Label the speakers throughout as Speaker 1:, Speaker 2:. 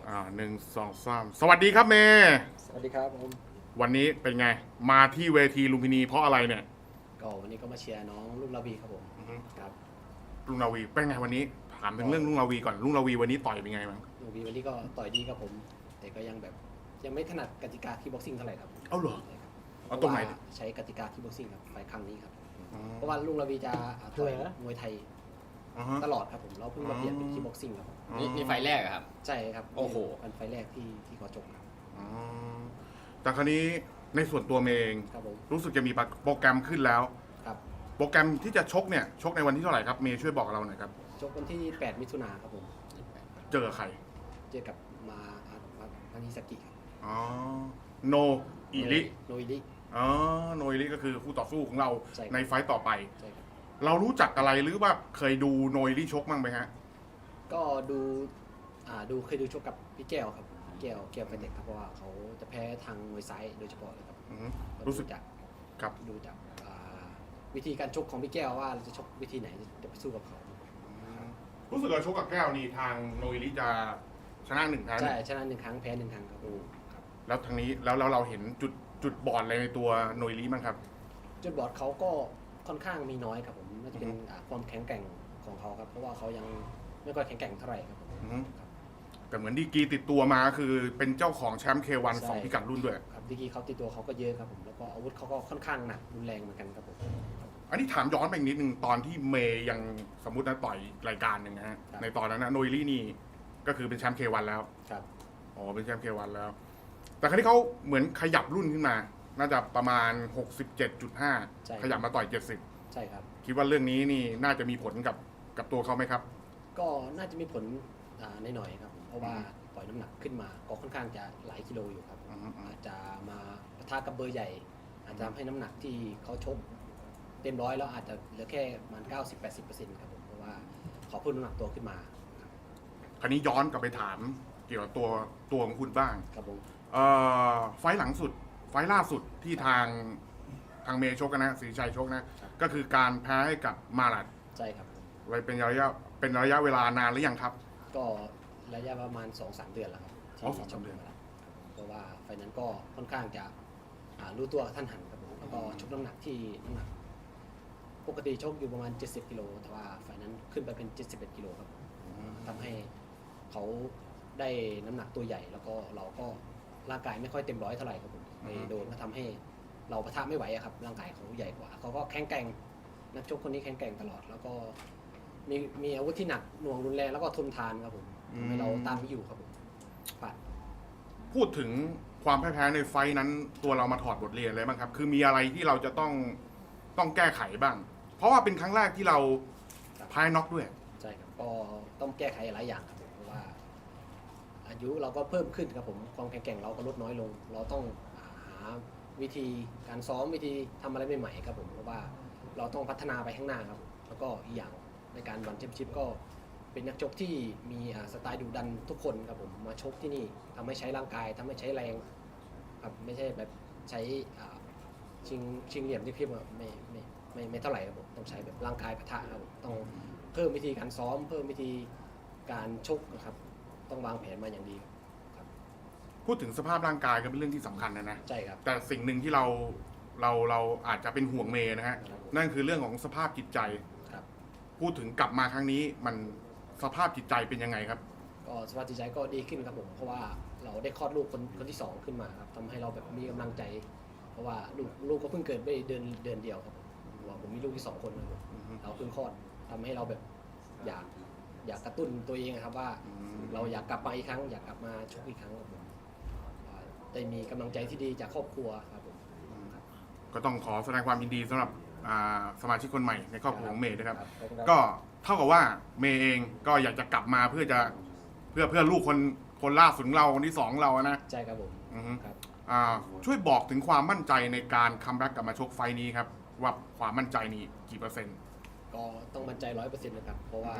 Speaker 1: 1 2 3สวัสดีครับเมย์
Speaker 2: สวัสดีครับผม
Speaker 1: วันนี้เป็นไงมาที่เวทีลุมพินีเพราะอะไรเนี่ย
Speaker 2: ก็วันนี้ก็มาเชียร์น้องลุงระบีครับผมครับ
Speaker 1: ลุงราวีเป็นไงวันนี้ถามถึงเรื่องลุงราวีก่อนลุงราวีวันนี้ต่อยเป็นไงบ้าง
Speaker 2: ลุงระบีวันนี้ก็ต่อยดีครับผมแต่ก็ยังแบบยังไม่ถนัดกติกาคีบ็อกซิ่งเท่าไหร่ครับ
Speaker 1: เอ้าเหรอ
Speaker 2: ใช่ครับ
Speaker 1: เอาตรงไหน
Speaker 2: พาะว่าใช้กติกาคีบ็อกซิ่งครับไฟล์ครั้งนี้ครับเพราะว่าลุงระบีจะต่อยมวยไทยตลอดครับผมเราเพิ่งมาเปลี่ยนเป็นคีบ็อกซิ่งครับ
Speaker 3: นี่ไฟแรกอะครับ
Speaker 2: ใช่ครับ
Speaker 3: โอ้โห
Speaker 2: เป็นไฟล์แรกที่เขาจบครับ
Speaker 1: แต่คราวนี้ในส่วนตัวเมย์เอง
Speaker 2: ครับผม
Speaker 1: รู้สึกจะมีโปรแกรมขึ้นแล้ว
Speaker 2: ครับ
Speaker 1: โปรแกรมที่จะชกเนี่ยชกในวันที่เท่าไหร่ครับเมย์ช่วยบอกเราหน่อยครับ
Speaker 2: ชกวันที่8มิถุนายนครับผม
Speaker 1: เจอใคร
Speaker 2: เจอกับมานิสกิครับ
Speaker 1: อ๋อโนอิริ
Speaker 2: โนอิริ
Speaker 1: อ๋อโนอิริก็คือคู่ต่อสู้ของเราในไฟต์ต่อไป
Speaker 2: ใช่ครับ
Speaker 1: เรารู้จักอะไรหรือว่าเคยดูโนอิริชกมั้งไหมฮะ
Speaker 2: ก็เคยดูชกกับพี่แก้วครับแก้วไฟเด็กครับเพราะว่าเขาจะแพ้ทางมวยซ้ายโดยเฉพาะเลยครับ
Speaker 1: รู้สึกครับ
Speaker 2: ดูจากวิธีการชกของพี่แก้วว่าเราจะชกวิธีไหนจะไปสู้กับเขา
Speaker 1: รู้สึกว่าชกกับแก้วนี่ทางโนอิริจะชนะ1 ครั้ง
Speaker 2: ใช่ชนะ1 ครั้งแพ้1 ครั้งครับ
Speaker 1: แล้วทางนี้แล้วเราเห็นจุดบอดอะไรในตัวโนอิริบ้างครับ
Speaker 2: จุดบอดเขาก็ค่อนข้างมีน้อยครับผมน่าจะเป็นความแข็งแกร่งของเขาครับเพราะว่าเขายังไม่ค่อยแข็งแกร่งเท่าไหร่ครับผม
Speaker 1: แต่เหมือนดีกีติดตัวมาคือเป็นเจ้าของแชมป์K1 2พิกัดรุ่นด้วย
Speaker 2: ครับดีกีเขาติดตัวเขาก็เยอะครับผมแล้วก็อาวุธเขาก็ค่อนข้างหนักรุนแรงเหมือนกันครับผม
Speaker 1: อันนี้ถามย้อนไปอีกนิดนึงตอนที่เมย์ยังสมมุตินะต่อยรายการหนึ่งนะฮะในตอนนั้นนะโนอิรินี่ก็คือเป็นแชมป์ K1 แล้ว
Speaker 2: ครับ
Speaker 1: อ๋อเป็นแชมป์K1 แล้วแต่ครั้นี้เขาเหมือนขยับรุ่นขึ้นมาน่าจะประมาณ 67.5 ขยับมาต่อย70
Speaker 2: ใช่ครับ
Speaker 1: คิดว่าเรื่องนี้นี่น่าจะมีผลกับตัวเขาไหมครับ
Speaker 2: ก็น่าจะมีผลในหน่อยครับเพราะว่าปล่อยน้ำหนักขึ้นมาก็ค่อนข้างจะหลายกิโลอยู่ครับอาจจะมาปะทะกับเบอร์ใหญ่อาจจะทำให้น้ำหนักที่เขาชกเต็มร้อยแล้วอาจจะเหลือแค่ประมาณ 90-80% ครับผมเพราะว่าเขาเพิ่มน้ำหนักตัวขึ้นมา
Speaker 1: คราวนี้ย้อนกลับไปถามเกี่ยวกับตัวของคุณบ้าง
Speaker 2: ครับผม
Speaker 1: ไฟล์หลังสุดไฟล์ล่าสุดที่ทางเมย์ชกกันนะศรีชัยชกนะก็คือการแพ้ให้กับมาลัด
Speaker 2: ใช่ครับ
Speaker 1: ไว้เป็นระยะเวลานานหรือยังครับ
Speaker 2: ก็ระยะประมาณ 2-3 เดือนแล้วครับที่ชกมาเพราะว่าไฟนั้นก็ค่อนข้างจะรู้ตัวท่านหันครับผมแล้วก็ชกน้ำหนักที่น้ำหนักปกติชกอยู่ประมาณ70 กิโลแต่ว่าไฟนั้นขึ้นไปเป็น71 กิโลครับทำให้เขาได้น้ำหนักตัวใหญ่แล้วก็เราก็ร่างกายไม่ค่อยเต็มร้อยเท่าไหร่ครับผมไปโดนก็ทำให้เราปะทะไม่ไหวครับร่างกายเขาใหญ่กว่าเขาก็แข็งแกร่งนักชกคนนี้แข็งแกร่งตลอดแล้วก็มีอาวุธที่หนักหน่วงรุนแรงแล้วก็ทนทานครับผมทำให้เราตามไม่อยู่ครับผม
Speaker 1: พูดถึงความแพ้ในไฟนั้นตัวเรามาถอดบทเรียนอะไรบ้างครับคือมีอะไรที่เราจะต้องแก้ไขบ้างเพราะว่าเป็นครั้งแรกที่เราแพ้น็อกด้วย
Speaker 2: ใช่ครับก็ต้องแก้ไขหลายอย่างครับเพราะว่าอายุเราก็เพิ่มขึ้นครับผมความแข็งแกร่งเราก็ลดน้อยลงเราต้องหาวิธีการซ้อมวิธีทำอะไรใหม่ๆครับผมเพราะว่าเราต้องพัฒนาไปข้างหน้าครับแล้วก็อีกอย่างในการวันแชมเปี้ยนชิพก็เป็นนักชกที่มีสไตล์ดุดันทุกคนครับผมมาชกที่นี่ทำให้ใช้ร่างกายทำให้ใช้แรงครับไม่ใช่แบบใช้ชิงเหลี่ยมที่พี่ว่าไม่เท่าไหร่ครับผมต้องใช้แบบร่างกายปะทะครับต้องเพิ่มวิธีการซ้อมเพิ่มวิธีการชกนะครับต้องวางแผนมาอย่างดีครับ
Speaker 1: พูดถึงสภาพร่างกายก็เป็นเรื่องที่สำคัญนะ
Speaker 2: ใช่ครับ
Speaker 1: แต่สิ่งหนึ่งที่เราอาจจะเป็นห่วงเมย์นะฮะนั่นคือเรื่องของสภาพจิตใจพูดถึงกลับมาครั้งนี้มันสภาพจิตใจเป็นยังไงครับ
Speaker 2: ก็สภาพจิตใจก็ดีขึ้นครับผมเพราะว่าเราได้คลอดลูกคนที่2ขึ้นมาครับทำให้เราแบบมีกำลังใจเพราะว่าลูกก็เพิ่งเกิดไปเดือนเดียวครับผมมีลูกที่2 คนครับเราเพิ่งคลอดทำให้เราแบบอยากกระตุ้นตัวเองครับว่าเราอยากกลับมาอีกครั้งอยากกลับมาชกอีกครั้งครับผมได้มีกำลังใจที่ดีจากครอบครัวครับผม
Speaker 1: ก็ต้องขอแสดงความยินดีสำหรับสมาชิกคนใหม่ในครอบครัวของเมย์นะครับก็เท่ากับว่าเมย์เองก็อยากจะกลับมาเพื่อลูกคนล่าสุดเราคนที่2เรานะ
Speaker 2: ใช่ครับผม
Speaker 1: ช่วยบอกถึงความมั่นใจในการคัมแบ็กกลับมาชกไฟนี้ครับว่าความมั่นใจนี้กี่เปอร์เซ็นต์
Speaker 2: ก็ต้องมั่นใจ100%นะครับเพราะว่า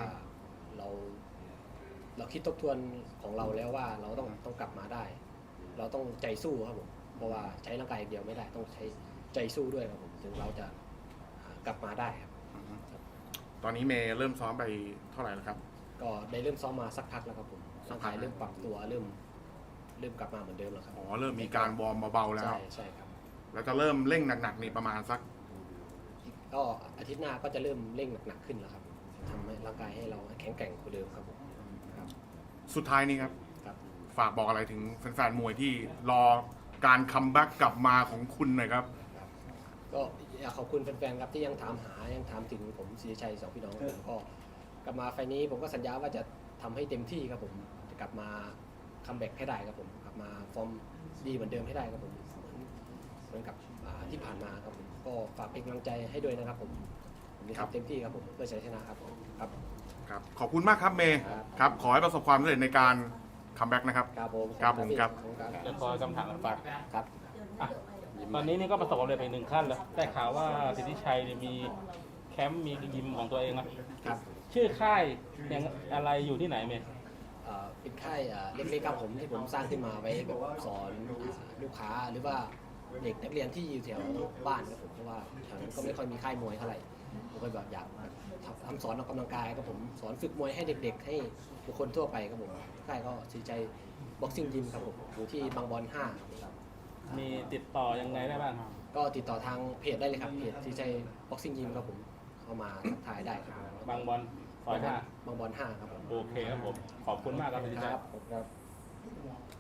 Speaker 2: เราคิดทบทวนของเราแล้วว่าเราต้องกลับมาได้เราต้องใจสู้ครับผมเพราะว่าใช้ร่างกายอย่างเดียวไม่ได้ต้องใช้ใจสู้ด้วยครับผมถึงเราจะกลับมาได้ครับ
Speaker 1: ตอนนี้เมย์เริ่มซ้อมไปเท่าไหร่แล้วครับ
Speaker 2: ก็ได้เริ่มซ้อมมาสักพักแล้วครับผมร่างกายเริ่มปรับตัวเริ่มกลับมาเหมือนเดิมแล้วครับ
Speaker 1: อ๋อเริ่มมีการวอร์มเบาๆแล้ว
Speaker 2: ใช่ครับ
Speaker 1: แล้วจะเริ่มเร่งหนักๆนี่ประมาณสัก
Speaker 2: ก็อาทิตย์หน้าก็จะเริ่มเร่งหนักๆขึ้นแล้วครับทำให้ร่างกายให้เราแข็งแกร่งกว่าเดิมครับผมครับ
Speaker 1: สุดท้ายนี้ครับ
Speaker 2: ครับ
Speaker 1: ฝากบอกอะไรถึงแฟนๆมวยที่รอการคัมแบ็กกลับมาของคุณหน่อยครับ
Speaker 2: ก็อยากขอบคุณแฟนๆครับที่ยังถามหายังถามถึงผมศรีชัยสองพี่น้องผมก็กลับมาไฟล์นี้ผมก็สัญญาว่าจะทำให้เต็มที่ครับผมจะกลับมาคัมแบ็กให้ได้ครับผมกลับมาฟอร์มดีเหมือนเดิมให้ได้ครับผมเหมือนกับที่ผ่านมาครับผมก็ฝากเป็นกำลังใจให้ด้วยนะครับผมจะ
Speaker 1: ครับ
Speaker 2: ทำเต็มที่ครับผมเพื่อชัยชนะครับผมครับ
Speaker 1: ครับขอบคุณมากครับเมย์
Speaker 2: ครับ
Speaker 1: ครับขอให้ประสบความสำเร็จในการคัมแบ็กนะครับ
Speaker 2: ครับผม
Speaker 1: ครับผมครับ
Speaker 2: ขอณครับ
Speaker 3: จะขอคำถามฝาก
Speaker 2: ครับ
Speaker 3: อ่ะตอนนี้นี่ก็ประสบความสำเร็จไปหนึ่งขั้นแล้วได้ข่าวว่าสิทธิชัยเนี่ยมีแคมป์มียิมของตัวเองนะครับ ชื่อค่ายยังอะไรอยู่ที่ไหนเมย์
Speaker 2: เป็นค่ายเล็กๆครับผมที่ผมสร้างขึ้นมาไว้แบบสอนลูกค้าหรือว่าเด็กนักเรียนที่อยู่แถวบ้านครับผมเพราะว่าแถวนั้นก็ไม่ค่อยมีค่ายมวยเท่าไหร่ผมก็แบบอยากทำสอนออกกำลังกายครับผมสอนฝึกมวยให้เด็กๆ ให้บุคคลทั่วไปครับผมค่ายก็สีใจบ็อกซิ่งยิมครับผมอยู่ที่บางบอน5ครับ
Speaker 3: มีติดต่อยังไงได้บ้าง
Speaker 2: ก็ติดต่อทางเพจได้เลยครับเพจสีใจบ็อกซิ่งยิมครับผมเข้ามาทักทายได้ครับ
Speaker 3: บางบอลซอยห้า
Speaker 2: บางบอน5ครับผม
Speaker 3: โอเคครับผม ขอบคุณมากครับสิทธิชัย
Speaker 2: ครับ